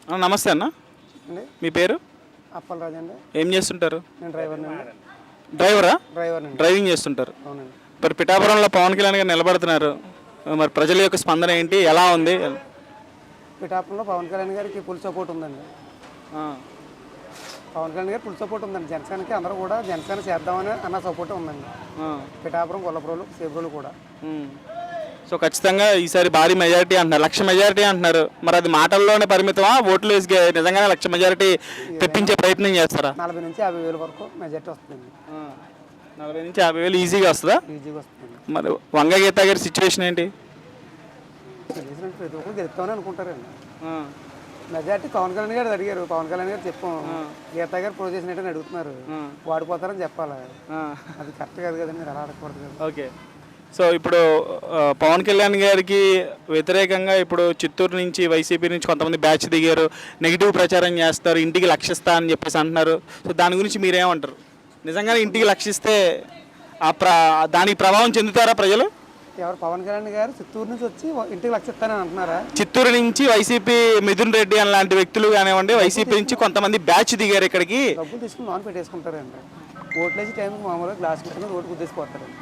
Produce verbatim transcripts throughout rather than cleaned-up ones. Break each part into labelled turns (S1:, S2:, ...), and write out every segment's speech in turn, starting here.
S1: ఆ, నమస్తే అన్న.
S2: అండి
S1: మీ పేరు?
S2: అప్పలరాజు అండి.
S1: ఏం చేస్తుంటారు?
S2: నేను డ్రైవర్ని అండి.
S1: డ్రైవరా?
S2: డ్రైవర్ని అండి.
S1: డ్రైవింగ్ చేస్తుంటారు.
S2: అవునండి.
S1: మరి పిఠాపురంలో పవన్ కళ్యాణ్ గారు నిలబడుతున్నారు. మరి ప్రజల యొక్క స్పందన ఏంటి, ఎలా ఉంది?
S2: పిఠాపురంలో పవన్ కళ్యాణ్ గారికి ఫుల్ సపోర్ట్ ఉందండి.
S1: ఆ,
S2: పవన్ కళ్యాణ్ గారికి ఫుల్ సపోర్ట్ ఉందండి. జనసేనకి అందరూ కూడా జనసేన చేద్దామని అన్న సపోర్ట్ ఉందండి.
S1: ఆ,
S2: పిఠాపురం, గొల్లపురంలో, సేపురోలు కూడా.
S1: ఉమ్. సో ఖచ్చితంగా ఈసారి భారీ మెజారిటీ అంటున్నారు, లక్ష మెజారిటీ అంటున్నారు. మరి అది మాటల్లోనే పరిమితమా, ఓట్లు వేసి గే- నిజంగానే లక్ష మెజారిటీ తెప్పించే ప్రయత్నం చేస్తారా?
S2: నలభై నుంచి యాభై వేల వరకు మెజార్టీ వస్తుందండి.
S1: ఆ, నలభై నుంచి యాభై వేలు ఈజీగా వస్తుందా?
S2: ఈజీగా వస్తుందండి.
S1: మరి వంగ గీత గారి సిచ్యువేషన్ ఏంటి?
S2: తెలిసినట్టు ప్రతి ఒక్కరు గెలుస్తామని అనుకుంటారండి.
S1: ఆ,
S2: మెజార్టీ పవన్ కళ్యాణ్ గారు అడిగారు. పవన్ కళ్యాణ్ గారు చెప్పాం, గీతా గారు ప్రో చేసినట్టు అడుగుతున్నారు. వాడిపోతారని చెప్పాలి.
S1: ఆ.
S2: అది కరెక్ట్ కాదు కదండి, మీరు అలా అడగకూడదు కదా.
S1: ఓకే. సో ఇప్పుడు ఆ, పవన్ కళ్యాణ్ గారికి వ్యతిరేకంగా ఇప్పుడు చిత్తూరు నుంచి వైసీపీ నుంచి కొంతమంది బ్యాచ్ దిగారు, నెగిటివ్ ప్రచారం చేస్తారు, ఇంటికి లక్షిస్తా అని చెప్పేసి అంటున్నారు. సో దాని గురించి మీరేమంటారు? నిజంగానే ఇంటికి లక్షిస్తే ఆ ప్ర దానికి ప్రభావం చెందుతారా ప్రజలు?
S2: ఎవరు? పవన్ కళ్యాణ్ గారు చిత్తూరు నుంచి వచ్చి ఇంటికి లక్ష ఇస్తానని అంటున్నారా?
S1: చిత్తూరు నుంచి వైసీపీ మిథున్ రెడ్డి అని లాంటి వ్యక్తులు కానివ్వండి, వైసీపీ నుంచి కొంతమంది బ్యాచ్ దిగారు ఇక్కడికి.
S2: డబ్బులు తీసుకుని లోన్ పెట్టేసుకుంటారండి. ఓట్లేసి టైంకి మామూలుగా గ్లాస్ పెట్టుకుని రోడ్డు గుద్దేసిపోతారండి.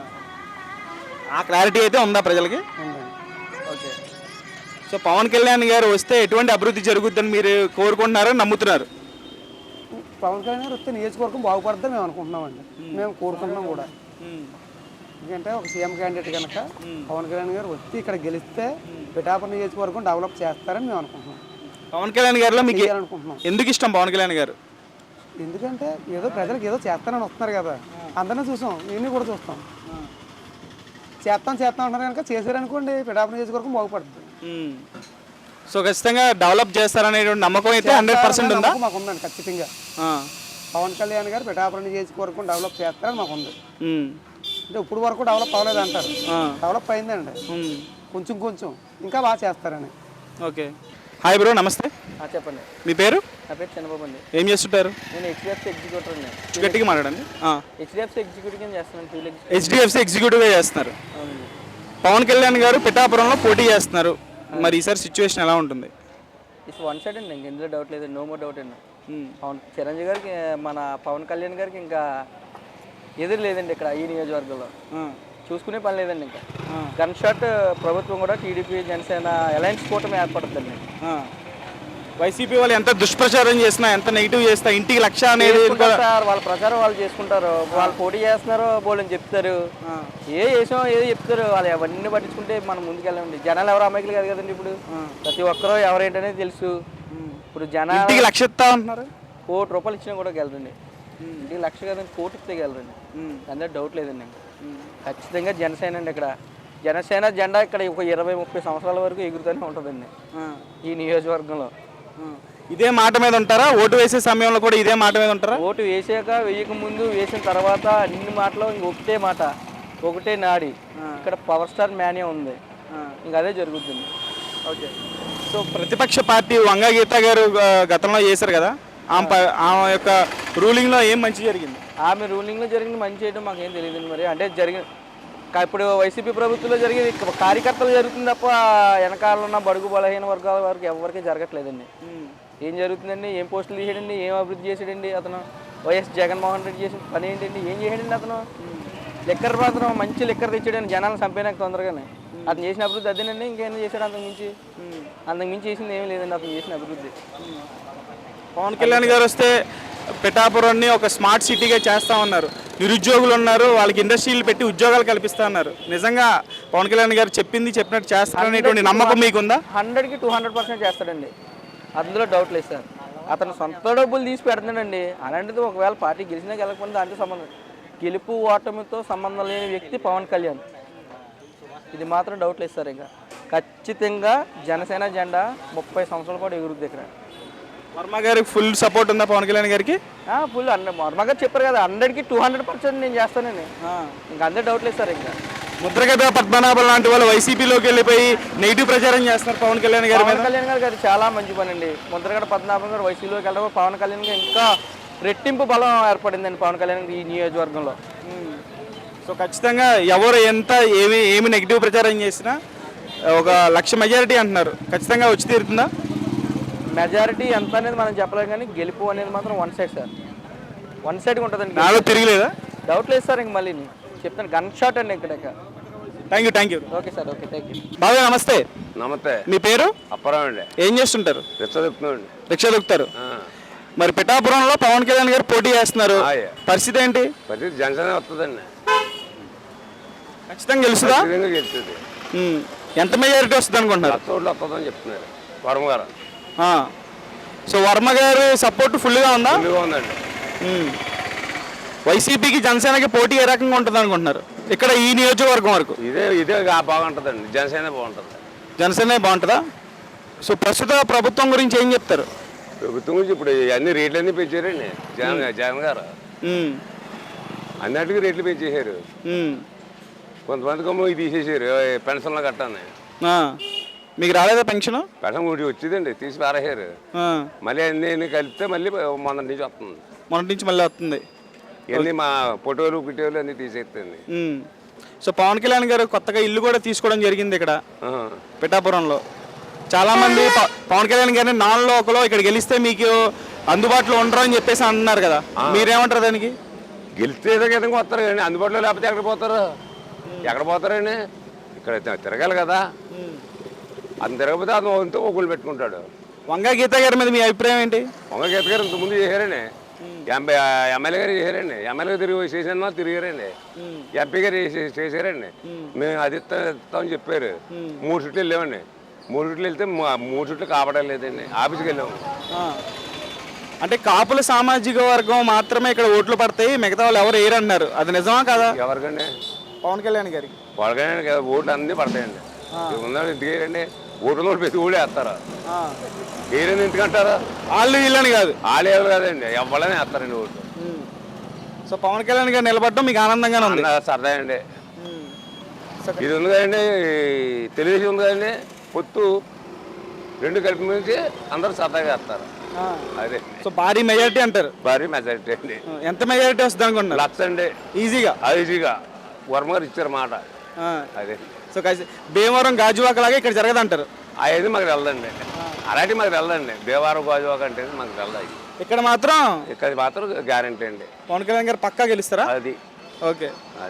S1: ఆ క్లారిటీ అయితే ఉందా ప్రజలకి?
S2: ఉందండి.
S1: ఓకే. సో పవన్ కళ్యాణ్ గారు వస్తే ఎటువంటి అభివృద్ధి జరుగుతుందని మీరు కోరుకుంటున్నారో నమ్ముతున్నారు?
S2: పవన్ కళ్యాణ్ గారు వస్తే నియోజకవర్గం బాగుపడద్దని మేము అనుకుంటున్నామండి. మేము కోరుకుంటున్నాం కూడా. ఎందుకంటే ఒక సీఎం క్యాండిడేట్ కనుక పవన్ కళ్యాణ్ గారు వచ్చి ఇక్కడ గెలిస్తే పిఠాపురం నియోజకవర్గం డెవలప్ చేస్తారని మేము అనుకుంటున్నాం.
S1: పవన్ కళ్యాణ్ గారిలో మీకు
S2: అనుకుంటున్నాం.
S1: ఎందుకు ఇష్టం పవన్ కళ్యాణ్ గారు?
S2: ఎందుకంటే ఏదో ప్రజలకు ఏదో చేస్తానని వస్తున్నారు కదా, అందరినీ చూసాం, ఇవన్నీ కూడా చూస్తాం. చేస్తాం చేస్తాం అంటున్నారు కనుక చేశారనుకోండి పిఠాపురం నియోజకవర్గం బాగుపడుతుంది.
S1: సో ఖచ్చితంగా డెవలప్ చేస్తారనేటువంటి నమ్మకం అయితే హండ్రెడ్ పర్సెంట్ ఉందా?
S2: మాకు ఉందండి ఖచ్చితంగా. పవన్ కళ్యాణ్ గారు పిఠాపురం నియోజకవర్గం డెవలప్ చేస్తారని మాకు ఉంది. అంటే ఇప్పుడు వరకు డెవలప్ అవ్వలేదు అంటారు, డెవలప్ అయిందండి కొంచెం కొంచెం, ఇంకా బాగా చేస్తారని.
S1: ఓకే. హాయ్ బ్రో, నమస్తే.
S3: చెప్పండి.
S1: మీ పేరు?
S3: నా పేరు చంద్రబాబు అండి.
S1: ఏం చేస్తుంటారు?
S3: నేను హెచ్డిఎఫ్సి ఎగ్జిక్యూటివ్ అండి.
S1: గట్టిగా మాట్లాడండి.
S3: హెచ్డిఎఫ్సి ఎగ్జిక్యూటివ్ చేస్తున్నాను.
S1: హెచ్డిఎఫ్సి ఎగ్జిక్యూటివ్గా చేస్తున్నారు.
S3: అవునండి.
S1: పవన్ కళ్యాణ్ గారు పిఠాపురంలో పోటీ చేస్తున్నారు. మరి ఈసారి సిచ్యువేషన్ ఎలా ఉంటుంది?
S3: ఇట్స్ వన్ సైడ్ అండి, ఇంక ఇందులో డౌట్ లేదు, నో మోర్ డౌట్ అండి. పవన్ చిరంజీవి గారికి, మన పవన్ కళ్యాణ్ గారికి ఇంకా ఎదురు లేదండి ఇక్కడ ఈ నియోజకవర్గంలో. చూసుకునే పని లేదండి. ఇంకా గన్ షాట్ ప్రభుత్వం కూడా టీడీపీ జనసేన అలయన్స్ కూటమి ఏర్పడుతుందండి.
S1: వైసీపీ వాళ్ళు ఎంత దుష్ప్రచారం చేసినా, ఎంత నెగిటివ్ చేసినా ఇంటికి లక్ష అనేది
S3: వాళ్ళ ప్రచారం వాళ్ళు చేసుకుంటారు. వాళ్ళు పోటీ చేస్తున్నారు బోల్ని చెప్తారు, ఏ చేసాం ఏదో చెప్తారు. వాళ్ళు అవన్నీ పట్టించుకుంటే మనం ముందుకెళ్ళండి. జనాలు ఎవరు అమాయకులు కాదు కదండి. ఇప్పుడు ప్రతి ఒక్కరూ ఎవరేంటనేది తెలుసు. ఇప్పుడు జనాలు
S1: లక్ష ఇస్తా అంటున్నారు,
S3: కోటి రూపాయలు ఇచ్చినా కూడా గెలరండి. ఇంటికి లక్ష కదండి, కోటి ఇస్తే గెలరండి. అందులో డౌట్ లేదండి. ఖచ్చితంగా జనసేన అండి. ఇక్కడ జనసేన జెండా ఇక్కడ ఒక ఇరవై ముప్పై సంవత్సరాల వరకు ఎగురుతూనే ఉంటుందండి ఈ నియోజకవర్గంలో.
S1: ఇదే మాట మీద ఉంటారా? ఓటు వేసే సమయంలో కూడా ఇదే మాట మీద ఉంటారా?
S3: ఓటు వేసాక వేయక ముందు వేసిన తర్వాత అన్ని మాటలు ఇంక ఒకటే మాట, ఒకటే నాడి. ఇక్కడ పవర్ స్టార్ మ్యానే ఉంది, ఇంక అదే జరుగుతుంది.
S1: ఓకే. సో ప్రతిపక్ష పార్టీ వంగ గీత గారు గతంలో చేశారు కదా, ఆమె ఆమె యొక్క రూలింగ్లో ఏం మంచి జరిగింది?
S3: ఆమె రూలింగ్లో జరిగింది మంచి చేయడం మాకేం తెలియదు మరి. అంటే జరిగిన ఇప్పుడు వైసీపీ ప్రభుత్వంలో జరిగేది కార్యకర్తలు జరుగుతుంది తప్ప వెనకాల ఉన్న బడుగు బలహీన వర్గాల వరకు ఎవరికి జరగట్లేదండి. ఏం జరుగుతుందండి? ఏం పోస్టులు చేసాడండి? ఏం అభివృద్ధి చేసాడండి అతను? వైఎస్ జగన్మోహన్ రెడ్డి చేసిన పని ఏంటండి? ఏం చేసాడండి అతను? లెక్కర్ మాత్రం మంచి లెక్కర్ తెచ్చాడని జనాలను చంపేనాక తొందరగానే. అతను చేసిన అభివృద్ధి అదేనండి. ఇంకేం చేశాడు అంతకు మించి? అంతకు మించి చేసింది ఏమీ లేదండి అతను చేసిన అభివృద్ధి.
S1: పవన్ కళ్యాణ్ గారు వస్తే పిఠాపురాన్ని ఒక స్మార్ట్ సిటీగా చేస్తా ఉన్నారు. నిరుద్యోగులు ఉన్నారు, వాళ్ళకి ఇండస్ట్రీలు పెట్టి ఉద్యోగాలు కల్పిస్తా ఉన్నారు. నిజంగా పవన్ కళ్యాణ్ గారు చెప్పింది చెప్పినట్టు చేస్తారనేటువంటి నమ్మకం మీకుందా?
S3: హండ్రెడ్కి టూ హండ్రెడ్ పర్సెంట్ చేస్తాడండి, అందులో డౌట్ లేదు సార్. అతను సొంత డబ్బులు తీసి పెడుతున్నాడండి. అలాంటిది ఒకవేళ పార్టీ గెలిచినా గెలకపోయినా దాంట్లో సంబంధం, గెలుపు ఓటమితో సంబంధం లేని వ్యక్తి పవన్ కళ్యాణ్. ఇది మాత్రం డౌట్ లేదు సార్. ఇంకా ఖచ్చితంగా జనసేన జెండా ముప్పై సంవత్సరాలు కూడా ఎగురుద్ది ఇక్కడ.
S1: వర్మ గారికి ఫుల్ సపోర్ట్ ఉందా పవన్ కళ్యాణ్ గారికి?
S3: Full hundred. వర్మ గారు చెప్పారు కదా, హండ్రెడ్కి టూ హండ్రెడ్ పర్సెంట్ నేను చేస్తానండి. ఇంకా అందరూ డౌట్ లేదు సార్. ఇంకా
S1: ముద్రగడ పద్మనాభం లాంటి వాళ్ళు వైసీపీలోకి వెళ్ళిపోయి నెగిటివ్ ప్రచారం చేస్తున్నారు పవన్ కళ్యాణ్ గారు.
S3: పవన్ కళ్యాణ్ గారు అది చాలా మంచి పని అండి. ముద్రగడ పద్మనాభం గారు వైసీపీలోకి వెళ్ళడం పవన్ కళ్యాణ్ గారు ఇంకా రెట్టింపు బలం ఏర్పడిందండి పవన్ కళ్యాణ్ ఈ నియోజకవర్గంలో.
S1: సో ఖచ్చితంగా ఎవరు ఎంత ఏమి ఏమి నెగిటివ్ ప్రచారం చేసినా ఒక లక్ష మెజారిటీ అంటున్నారు, ఖచ్చితంగా వచ్చి తీరుతుందా?
S3: మెజారిటీ ఎంత అనేది మనం చెప్పలేం కానీ గెలుపు అనేది మాత్రం వన్ సైడ్ సార్, వన్ సైడ్గా ఉంటుందండి.
S1: నాలో తిరిగిలేదా?
S3: డౌట్ లేదు సార్, ఇంక మళ్ళీ చెప్తాను గన్ షాట్ అండి ఇక్కడ.
S1: Thank you thank you
S3: okay sir, okay, thank you.
S1: బాబు నమస్తే.
S4: నమస్తే.
S1: మీ పేరు?
S4: అప్పారావు అండి.
S1: ఏం చేస్తుంటారు?
S4: రిక్షా చెప్తున్నాండి.
S1: రిక్షా దొక్కుతారు. మరి పిఠాపురంలో పవన్ కళ్యాణ్ గారు పోటీ చేస్తున్నారు,
S4: ఆయ్.
S1: పరిస్థితి ఏంటి?
S4: ప్రతి జనసేన వస్తుందండి,
S1: ఖచ్చితంగా గెలుస్తుందా?
S4: ఖచ్చితంగా గెలుస్తుంది.
S1: ఉమ్. ఎంత మెజారిటీ వస్తుంది అనుకుంటున్నారు?
S4: లక్ష ఓట్లు వస్తుందని చెప్తున్నారు వర్మ గారు.
S1: ఆ. సో వర్మ గారి సపోర్ట్ ఫుల్గా ఉందా?
S4: ఫుల్గా ఉందండి.
S1: ఉమ్. వైసీపీకి జనసేనకి పోటీ ఏ రకంగా ఉంటుంది అనుకుంటున్నారు ఇక్కడ ఈ నియోజకవర్గం వరకు?
S4: ఇదే ఇదే గా- బాగుంటుందండి, జనసేన బాగుంటుంది.
S1: జనసేన బాగుంటుందా? సో ప్రస్తుత ప్రభుత్వం గురించి ఏం చెప్తారు?
S4: ప్రభుత్వం గురించి ఇప్పుడు అన్ని రేట్లు అన్నీ పెంచారండి జగన్ జగన్ గారు.
S1: ఉమ్.
S4: అన్నిటికీ రేట్లు పెంచేశారు.
S1: ఉమ్.
S4: కొంతమందికి ఏమో ఇది తీసేసారు పెన్షన్లు కట్టాను.
S1: ఆ. మీకు రాలేదా పెన్షన్?
S4: పెన్షన్ ఒకటి వచ్చిందండి, తీసి పారేశారు.
S1: ఆ.
S4: మళ్ళీ అన్ని అన్ని కలిపితే మళ్ళీ మొన్న నుంచి వస్తుంది.
S1: మొన్నటి నుంచి మళ్ళీ వస్తుంది.
S4: ఇవన్నీ మా ఫోటోలు గిటోలు అన్నీ తీసేస్తుంది.
S1: ఉమ్. సో పవన్ కళ్యాణ్ గారు కొత్తగా ఇల్లు కూడా తీసుకోవడం జరిగింది ఇక్కడ పిఠాపురంలో. చాలామంది ప- పవన్ కళ్యాణ్ గారిని నాన్ లోకలో ఇక్కడ గెలిస్తే మీకు అందుబాటులో ఉండరు అని చెప్పేసి అంటున్నారు కదా, మీరేమంటారు దానికి?
S4: గెలిస్తే ఏదో విధంగా వస్తారు కానీ అందుబాటులో లేకపోతే ఎక్కడ పోతారు? ఎక్కడ పోతారండి? ఇక్కడ తి- తిరగాలి కదా. అతను తిరగకపోతే అతను వంతు ఒకళ్ళు పెట్టుకుంటాడు.
S1: వంగా గీత గారి మీద మీ అభిప్రాయం ఏంటి?
S4: వంగ గీత గారు ఇంతకుముందు చేశారండి, ఎంపీ ఎమ్మెల్యే గారు చేశారండి, ఎమ్మెల్యే తిరిగి చేసిన తిరిగారండి, ఎంపీ గారు చేసే- చేశారండి. మేము అది ఇస్తాం ఇస్తామని చెప్పారు. మూడు చుట్లు వెళ్ళామండి, మూడు చుట్లు వెళ్తే మా- మూడు చుట్లు కాపాడలేదండి, ఆఫీస్కి వెళ్ళాము.
S1: ఆ. అంటే కాపుల సామాజిక వర్గం మాత్రమే ఇక్కడ ఓట్లు పడతాయి, మిగతా వాళ్ళు ఎవరు వేయరు అన్నారు, అది నిజమా కదా?
S4: ఎవరికండి?
S1: పవన్ కళ్యాణ్ గారికి.
S4: వాళ్ళకైనా ఓట్లు అన్నీ పడతాయండి. ఉన్నాడు ఎందుకు వేయరండి? ఓట్లు ఉన్న ప్రతి ఊళ్ళో వేస్తారు.
S1: ఆ.
S4: వేయరని ఎందుకంటారా?
S1: వాళ్ళు వీళ్ళని కాదు,
S4: వాళ్ళు ఎవరు కాదండి, ఎవరైనా వేస్తారండి ఓట్లు.
S1: సో పవన్ కళ్యాణ్ గారు నిలబడడం మీకు ఆనందంగానే ఉంది?
S4: అన్న సరదా అండి. ఇది ఉంది కదండి, తెలుగుదేశం ఉంది కదండి, పొత్తు రెండు కలిపి నుంచి అందరూ సరదాగా వేస్తారు.
S1: ఆ.
S4: అదే
S1: సో భారీ మెజారిటీ అంటారు?
S4: భారీ మెజారిటీ అండి.
S1: ఎంత మెజారిటీ వస్తుంది అనుకుంటున్నారు?
S4: లక్ష అండి
S1: ఈజీగా.
S4: అది ఈజీగా వర్మ గారు ఇచ్చారు మాట.
S1: ఆ.
S4: అదే
S1: సో కలిసి భీమవరం గాజువాక లాగా ఇక్కడ జరగదంటారు?
S4: అవి మాకు వెళ్ళదండి, అలాంటివి మాకు వెళ్ళదండి. దేవారం గాజువాక అంటే మాకు వెళ్ళాయి.
S1: ఇక్కడ మాత్రం
S4: ఇక్కడ మాత్రం గ్యారంటీ అండి.
S1: పవన్ కళ్యాణ్ గారు పక్కా గెలుస్తారా?
S4: అది
S1: ఓకే.